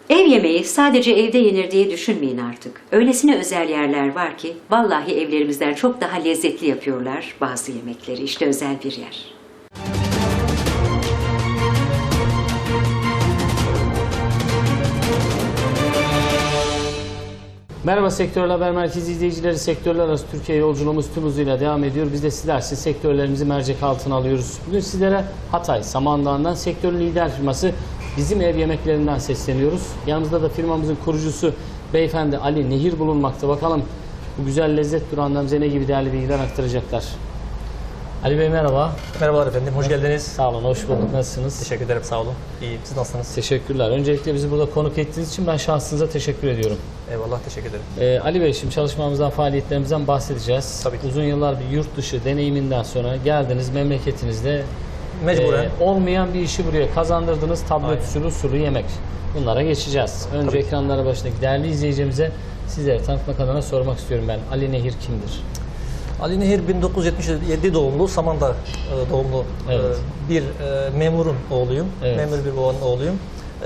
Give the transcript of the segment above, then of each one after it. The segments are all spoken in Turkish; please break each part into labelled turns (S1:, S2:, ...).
S1: Ev yemeği sadece evde yenir diye düşünmeyin artık. Öylesine özel yerler var ki vallahi evlerimizden çok daha lezzetli yapıyorlar bazı yemekleri. İşte özel bir yer.
S2: Merhaba Sektörler Haber Merkezi izleyicileri. Sektörler arası Türkiye yolculuğumuz tüm hızıyla devam ediyor. Biz de sizler için sektörlerimizi mercek altına alıyoruz. Bugün sizlere Hatay Samandağ'dan sektörün lider firması Bizim Ev Yemeklerinden sesleniyoruz. Yanımızda da firmamızın kurucusu beyefendi Ali Nehir bulunmakta. Bakalım bu güzel lezzet durağından bize ne gibi değerli bilgiler aktaracaklar. Ali Bey merhaba.
S3: Merhabalar efendim, hoş geldiniz.
S2: Sağ olun, hoş bulduk. Nasılsınız?
S3: Teşekkür ederim, sağ olun. İyiyim, siz nasılsınız?
S2: Teşekkürler. Öncelikle bizi burada konuk ettiğiniz için ben şahsınıza teşekkür ediyorum.
S3: Eyvallah, teşekkür ederim.
S2: Ali Bey, şimdi çalışmamızdan, faaliyetlerimizden bahsedeceğiz.
S3: Tabii ki.
S2: Uzun yıllar bir yurt dışı deneyiminden sonra geldiniz memleketinizde
S3: Mecburen.
S2: olmayan bir işi buraya kazandırdınız. Tablet
S3: Aynen.
S2: usulü yemek. Bunlara geçeceğiz. Önce
S3: Tabii ki.
S2: ekranlara başındaki değerli izleyicimize sizleri tanıtmak adına sormak istiyorum ben. Ali Nehir kimdir?
S3: Ali Nehir 1977 doğumlu, Samandağ doğumlu
S2: Evet.
S3: bir memurun oğluyum.
S2: Evet.
S3: Memur bir babanın oğluyum.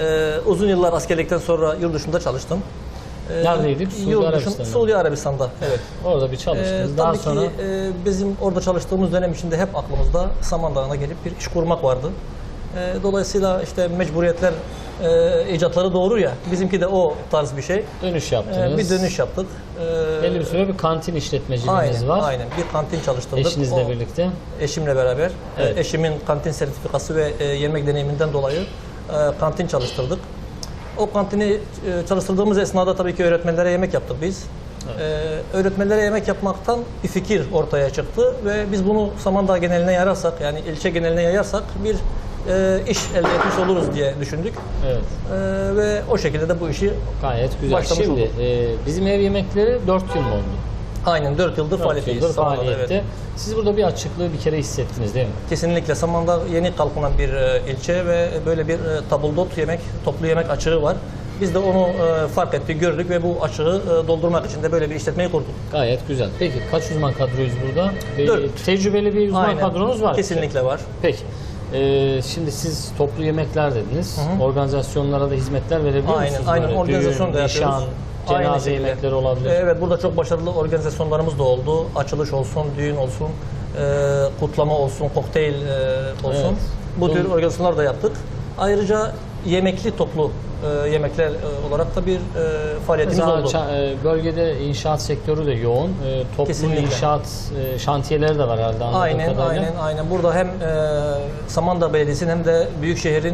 S3: Uzun yıllar askerlikten sonra yurt dışında çalıştım.
S2: Neredeydik?
S3: Suudi Arabistan'da. Evet.
S2: Orada bir çalıştınız. Daha
S3: Tabii
S2: sonra
S3: ki bizim orada çalıştığımız dönem içinde hep aklımızda Samandağ'a gelip bir iş kurmak vardı. Dolayısıyla işte mecburiyetler icatları doğurur ya, bizimki de o tarz bir şey.
S2: dönüş yaptınız.
S3: Bir dönüş yaptık.
S2: Belli bir süre bir kantin işletmeciliğiniz
S3: Aynen,
S2: var.
S3: aynen. Bir kantin çalıştırdık.
S2: Eşinizle birlikte.
S3: Eşimle beraber.
S2: Evet.
S3: Eşimin kantin sertifikası ve yemek deneyiminden dolayı kantin çalıştırdık. O kantini çalıştırdığımız esnada tabii ki öğretmenlere yemek yaptık biz. Öğretmenlere yemek yapmaktan bir fikir ortaya çıktı ve biz bunu Samandağ geneline yayarsak, yani ilçe geneline yayarsak bir iş elde etmiş oluruz diye düşündük.
S2: Evet.
S3: Ve o şekilde de bu işi
S2: Gayet güzel.
S3: başlamış
S2: Şimdi
S3: olduk.
S2: bizim ev yemekleri 4 yıl mı oldu?
S3: Aynen 4 yıldır
S2: 4
S3: faaliyetteyiz.
S2: yıldır
S3: Samandağ'da,
S2: faaliyette.
S3: evet.
S2: Siz burada bir açıklığı bir kere hissettiniz değil mi?
S3: Kesinlikle Samandağ yeni kalkınan bir ilçe ve böyle bir tabuldot yemek, toplu yemek açığı var. Biz de onu fark ettik, gördük ve bu açığı doldurmak için de böyle bir işletmeyi kurduk.
S2: Gayet güzel. Peki kaç uzman kadroyuz burada?
S3: Dört.
S2: Tecrübeli bir uzman
S3: Aynen.
S2: kadronuz var.
S3: Kesinlikle var.
S2: Peki. Şimdi siz toplu yemekler dediniz. Organizasyonlara da hizmetler verebiliyor
S3: Aynen,
S2: musunuz?
S3: aynen.
S2: Böyle
S3: Organizasyon da
S2: düğün,
S3: yapıyoruz.
S2: nişan,
S3: Aynı
S2: cenaze
S3: şekilde.
S2: yemekleri olabilir.
S3: Evet, burada çok başarılı organizasyonlarımız da oldu. Açılış olsun, düğün olsun, kutlama olsun, kokteyl olsun.
S2: Evet.
S3: Bu tür organizasyonlar da yaptık. Ayrıca yemekli toplu yemekler olarak da bir faaliyetimiz
S2: Mesela
S3: oldu.
S2: bölgede inşaat sektörü de yoğun. Toplu
S3: Kesinlikle.
S2: inşaat şantiyeleri de var herhalde anladığım
S3: Aynen,
S2: kadarıyla.
S3: aynen. Burada hem Samandağ Belediyesi'nin hem de Büyükşehir'in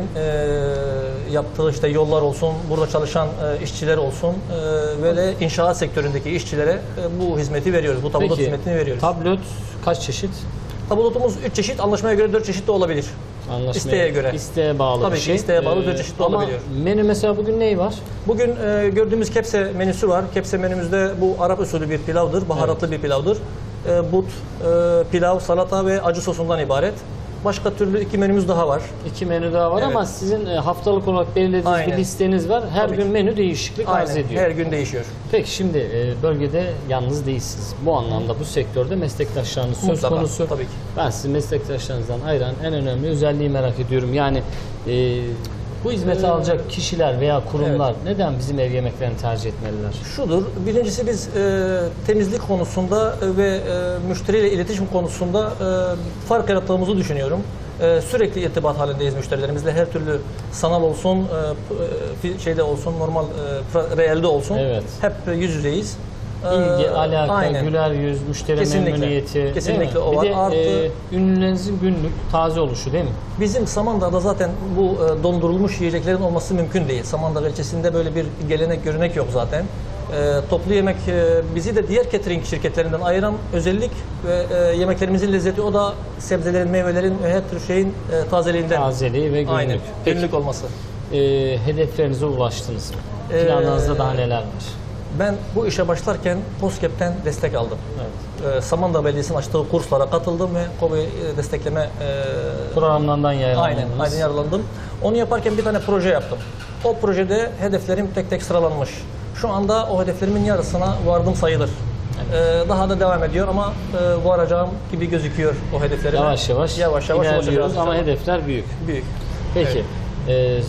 S3: yaptığı işte yollar olsun, burada çalışan işçiler olsun ve de inşaat sektöründeki işçilere bu hizmeti veriyoruz. Bu tabulot
S2: Peki,
S3: hizmetini veriyoruz.
S2: tablet kaç çeşit?
S3: Tabulotumuz 3 çeşit, anlaşmaya göre 4 çeşit de olabilir. İsteğe göre.
S2: İsteğe bağlı
S3: Tabii
S2: bir
S3: ki
S2: şey.
S3: isteğe bağlı 4 çeşit de
S2: ama
S3: olabiliyor.
S2: menü mesela bugün neyi var?
S3: Bugün gördüğümüz kepse menüsü var. Kepse menümüzde bu Arap usulü bir pilavdır, baharatlı bir pilavdır. But, pilav, salata ve acı sosundan ibaret. Başka türlü 2 menümüz daha var.
S2: 2 menü daha var
S3: Evet.
S2: ama sizin haftalık olarak belirlediğiniz bir
S3: Aynen.
S2: listeniz var. Her
S3: Tabii
S2: gün
S3: ki.
S2: menü değişiklik arz
S3: Aynen,
S2: ediyor.
S3: her gün değişiyor.
S2: Peki şimdi bölgede yalnız değilsiniz. Bu anlamda bu sektörde meslektaşlarınız söz
S3: Mutlaka,
S2: konusu.
S3: tabii ki.
S2: Ben sizin meslektaşlarınızdan ayıran en önemli özelliği merak ediyorum. Yani bu hizmeti alacak kişiler veya kurumlar neden bizim ev yemeklerini tercih etmeliler?
S3: Şudur, birincisi biz temizlik konusunda ve müşteriyle iletişim konusunda fark yarattığımızı düşünüyorum. Sürekli irtibat halindeyiz müşterilerimizle. Her türlü sanal olsun, şeyde olsun, normal reelde olsun.
S2: Evet.
S3: Hep yüz yüzeyiz.
S2: İlgi, alaka,
S3: Aynen.
S2: güler yüz, müşteri
S3: Kesinlikle.
S2: memnuniyeti. değil mi?
S3: Kesinlikle o
S2: Bir
S3: var.
S2: de
S3: Artı-
S2: ünlülerinizin günlük taze oluşu değil mi?
S3: Bizim Samandağ'da zaten bu dondurulmuş yiyeceklerin olması mümkün değil. Samandağ ilçesinde böyle bir gelenek, görenek yok zaten. Toplu yemek bizi de diğer catering şirketlerinden ayıran özellik ve yemeklerimizin lezzeti o da sebzelerin, meyvelerin ve her tür şeyin tazeliğinden.
S2: Tazeliği ve günlük.
S3: Aynen,
S2: Peki,
S3: günlük olması.
S2: hedeflerinize ulaştınız mı? Planlarınızda daha neler var?
S3: Ben bu işe başlarken KOSGEB'ten destek aldım.
S2: Evet.
S3: Samandağ Belediyesi'nin açtığı kurslara katıldım ve KOBİ destekleme
S2: Programlardan yayınlandınız.
S3: aynen yararlandım. Onu yaparken bir tane proje yaptım. O projede hedeflerim tek tek sıralanmış. Şu anda o hedeflerimin yarısına vardım sayılır. Daha da devam ediyor ama varacağım gibi gözüküyor o hedeflerime.
S2: Yavaş yavaş
S3: ilerliyoruz
S2: ulaşacağız ama
S3: inşallah.
S2: hedefler büyük.
S3: Büyük.
S2: Peki,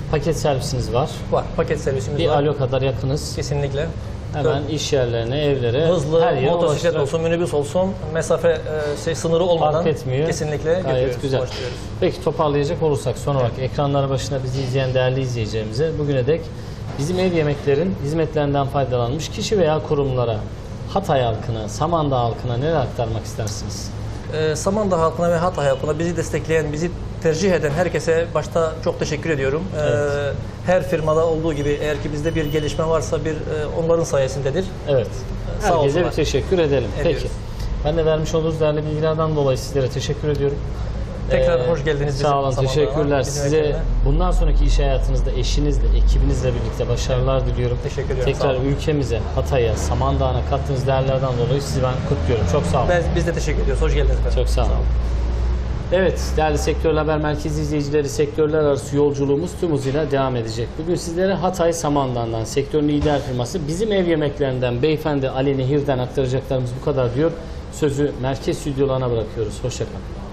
S2: Paket servisiniz var.
S3: Var. Paket servisimiz
S2: Bir
S3: var.
S2: alo kadar yakınız.
S3: Kesinlikle.
S2: Hemen iş yerlerine, evlere,
S3: Hızlı,
S2: her yere
S3: motosiklet
S2: ulaştırarak-
S3: olsun, minibüs olsun, mesafe sınırı olmadan
S2: Fark etmiyor.
S3: kesinlikle
S2: Gayet
S3: götürüyoruz,
S2: güzel.
S3: ulaştırıyoruz.
S2: Peki toparlayacak olursak son olarak ekranları başında bizi izleyen değerli izleyicilerimize bugüne dek bizim ev yemeklerin hizmetlerinden faydalanmış kişi veya kurumlara, Hatay halkına, Samandağ halkına neler aktarmak istersiniz?
S3: Samandağ halkına ve Hatay halkına bizi destekleyen, bizi tercih eden herkese başta çok teşekkür ediyorum. Her firmada olduğu gibi eğer ki bizde bir gelişme varsa onların sayesindedir.
S2: Evet.
S3: Sağ
S2: Herkese
S3: olsunlar.
S2: bir teşekkür edelim.
S3: Ediyoruz.
S2: Peki. Ben de vermiş olduğunuz değerli bilgilerden dolayı sizlere teşekkür ediyorum.
S3: Tekrar hoş geldiniz bizim
S2: Sağ olun,
S3: Samandağ'a,
S2: teşekkürler.
S3: bizim
S2: Size
S3: ekibine.
S2: bundan sonraki iş hayatınızda eşinizle, ekibinizle birlikte başarılar diliyorum.
S3: Teşekkür ediyorum, sağ
S2: Tekrar
S3: olun.
S2: ülkemize, Hatay'a, Samandağ'a kattığınız değerlerden dolayı sizi ben kutluyorum. Çok sağ olun.
S3: Biz de teşekkür ediyoruz. Hoş geldiniz efendim.
S2: Çok sağ olun. Evet, değerli Sektörler Haber Merkezi izleyicileri, sektörler arası yolculuğumuz tüm hızıyla devam edecek. Bugün sizlere Hatay Samandağ'dan, sektörün lider firması Bizim Ev Yemeklerinden beyefendi Ali Nehir'den aktaracaklarımız bu kadar diyor. Sözü merkez stüdyolarına bırakıyoruz. Hoşça kalın.